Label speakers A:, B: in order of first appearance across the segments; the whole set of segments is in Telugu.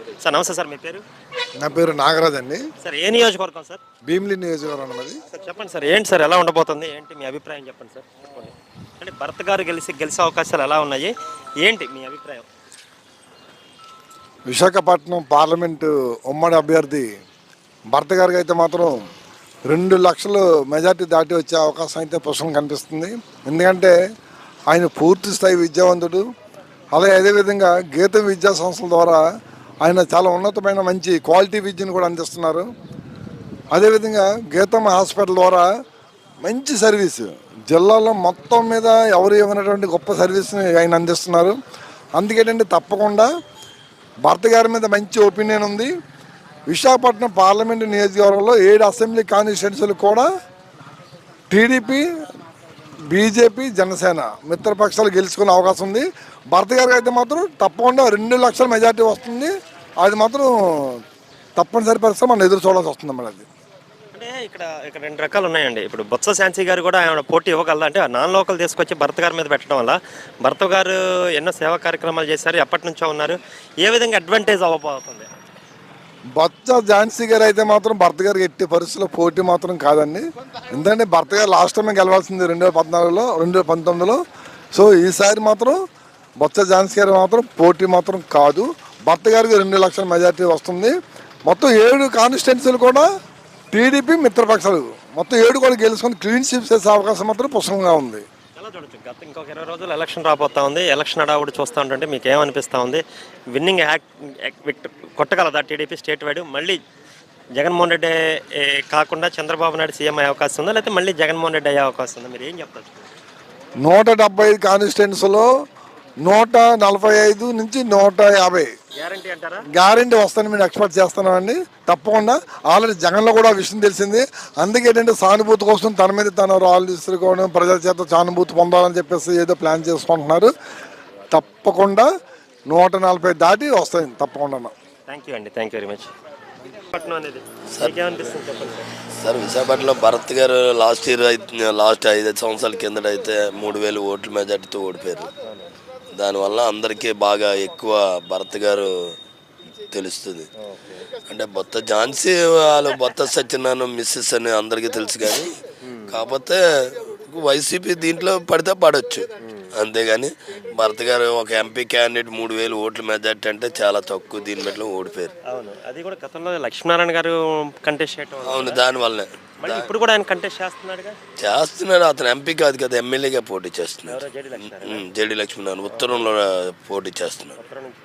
A: సార్ నమస్తే సార్, మీ పేరు?
B: నా పేరు నాగరాజ్ అండి.
A: సార్ ఏ నియోజకవర్గం సార్?
B: భీమిలి నియోజకవర్గం అన్నది.
A: సార్ చెప్పండి సార్, ఏంటి సార్ ఎలా ఉండబోతుంది, ఏంటి మీ అభిప్రాయం చెప్పండి సార్. చెప్పండి. అంటే భరత్ గారు గెలిచే అవకాశాలు ఎలా ఉన్నాయి, ఏంటి మీ అభిప్రాయం?
B: విశాఖపట్నం పార్లమెంటు ఉమ్మడి అభ్యర్థి భర్త గారికి అయితే మాత్రం 2 లక్షలు మెజార్టీ దాటి వచ్చే అవకాశం అయితే పుష్కలం కనిపిస్తుంది. ఎందుకంటే ఆయన పూర్తి స్థాయి విద్యావంతుడు. అలాగే అదేవిధంగా గీత విద్యా సంస్థల ద్వారా ఆయన చాలా ఉన్నతమైన మంచి క్వాలిటీ విద్యను కూడా అందిస్తున్నారు. అదేవిధంగా గీతం హాస్పిటల్ ద్వారా మంచి సర్వీసు జిల్లాలో మొత్తం మీద ఎవరు ఇవ్వనటువంటి గొప్ప సర్వీస్ని ఆయన అందిస్తున్నారు. అందుకేంటంటే తప్పకుండా భర్త గారి మీద మంచి ఒపీనియన్ ఉంది. విశాఖపట్నం పార్లమెంటు నియోజకవర్గంలో 7 అసెంబ్లీ కాన్స్టిట్యున్సీలు కూడా టీడీపీ, బీజేపీ, జనసేన మిత్రపక్షాలు గెలుచుకునే అవకాశం ఉంది. భర్త గారికి అయితే మాత్రం తప్పకుండా 2 లక్షల మెజార్టీ వస్తుంది. అది మాత్రం తప్పనిసరి పరిస్థితి మనం ఎదురు చూడాల్సి వస్తుంది అన్నమాట. అది
A: అంటే ఇక్కడ 2 రకాలు ఉన్నాయండి. ఇప్పుడు బొత్స ఝాన్సీ గారు కూడా ఆయన పోటీ ఇవ్వగలదా? అంటే నాన్ లోకల్ తీసుకొచ్చి భర్త గారి మీద పెట్టడం వల్ల భర్త గారు ఎన్నో సేవా కార్యక్రమాలు చేశారు, ఎప్పటి నుంచో ఉన్నారు, ఏ విధంగా అడ్వాంటేజ్ అవ్వబోతుంది?
B: బొత్స ఝాన్సీ గారు అయితే మాత్రం భర్త గారికి ఎట్టి పరిస్థితుల్లో పోటీ మాత్రం కాదండి. ఎందుకంటే భర్త గారు లాస్ట్ టైం గెలవాల్సింది 2014లో 2019లో. సో ఈసారి మాత్రం బొత్స ఝాన్సీ గారు మాత్రం పోటీ మాత్రం కాదు. భర్త గారికి 2 లక్షల మెజార్టీ వస్తుంది. మొత్తం 7 కాన్స్టిట్యున్సీలు కూడా టీడీపీ మిత్రపక్షాలు మొత్తం 7 కూడా గెలుచుకొని క్లీన్ స్వీప్ చేసే అవకాశం మాత్రం పుష్కలంగా ఉంది.
A: ఎలా చూడొచ్చు, గత ఇంకొక 20 రోజులు ఎలక్షన్ రాబోతా ఉంది. ఎలక్షన్ హడావుడి చూస్తూ ఉంటుంటే మీకు ఏమనిపిస్తూ ఉంది? విన్నింగ్ కొట్టగలదా టీడీపీ స్టేట్ వైడ్? మళ్ళీ జగన్మోహన్ రెడ్డి కాకుండా చంద్రబాబు నాయుడు సీఎం అయ్యే అవకాశం ఉందా, లేకపోతే మళ్ళీ జగన్మోహన్ రెడ్డి అయ్యే అవకాశం ఉందా? మీరు ఏం చెప్తారు?
B: 175 కాన్స్టిట్యున్సీలో 145 నుంచి 150
A: గ్యారంటీ అంటారా?
B: గ్యారంటీ వస్తాను మేము ఎక్స్పెక్ట్ చేస్తున్నామండి. తప్పకుండా ఆల్రెడీ జగన్లో కూడా ఆ విషయం తెలిసింది. అందుకే ఏంటంటే సానుభూతి కోసం తన మీద తను రాళ్ళు తీసుకోవడం, ప్రజల చేత సానుభూతి పొందాలని చెప్పేసి ఏదో ప్లాన్ చేసుకుంటున్నారు. తప్పకుండా 140 దాటి వస్తాయి తప్పకుండా.
A: థ్యాంక్ యూ అండి, థ్యాంక్ యూ వెరీ మచ్. పట్నం అనేది ఏమనిపిస్తుంది చెప్పండి
C: సార్. విశాఖపట్నంలో భరత్ గారు లాస్ట్ 5 సంవత్సరాల కిందట అయితే 3000 ఓట్ల మెజార్టీతో ఓడిపోయారు. దానివల్ల అందరికీ బాగా ఎక్కువ భరత్ గారు తెలుస్తుంది. అంటే బొత్స ఝాన్సీ వాళ్ళు బొత్స సత్యనారాయణ మిస్సెస్ అని అందరికీ తెలుసు, కానీ కాకపోతే వైసీపీ దీంట్లో పడితే పడవచ్చు, అంతేగాని భరత్ గారు ఒక ఎంపీ క్యాండిడేట్ 3000 ఓట్ల మెజార్టీ అంటే చాలా తక్కువ, దీని బట్టి ఓడిపోయారు.
A: అవును, అది కూడా గతంలో లక్ష్మీనారాయణ గారు కంటెస్ట్ చేయడం.
C: అవును, దానివల్లనే.
A: ఇప్పుడు కూడా ఆయన కంటెస్ట్
C: చేస్తున్నాడు. అతను ఎంపీ కాదు కదా, ఎమ్మెల్యేగా పోటీ చేస్తున్నాడు. జేడి లక్ష్మీనారాయణ ఉత్తరంలో పోటీ చేస్తున్నాడు.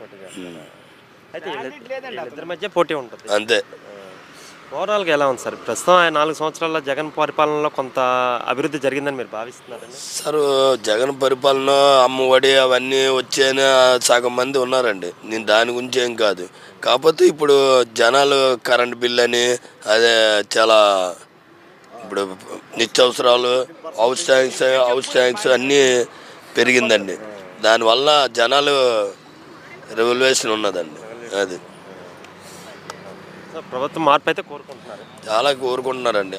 A: అయితే ఇద్దరి మధ్య పోటీ ఉంటుంది
C: అంతే.
A: ఓవరాల్గా ఎలా ఉంది సార్ ప్రస్తుతం? ఆయన 4 సంవత్సరాల జగన్ పరిపాలనలో కొంత అభివృద్ధి జరిగిందని మీరు భావిస్తున్నారండి?
C: సార్, జగన్ పరిపాలన అమ్మఒడి అవన్నీ వచ్చాయని సగం మంది ఉన్నారండి. నేను దాని గురించి ఏం కాదు. కాకపోతే ఇప్పుడు జనాలు కరెంట్ బిల్ అని అదే చాలా ఇప్పుడు నిత్యావసరాలు హౌస్ ట్యాంక్స్ అన్నీ పెరిగిందండి. దానివల్ల జనాలు రెవల్యూషన్ ఉన్నదండి. అది
A: ప్రభుత్వం మార్పు అయితే కోరుకుంటున్నారు,
C: చాలా కోరుకుంటున్నారండి.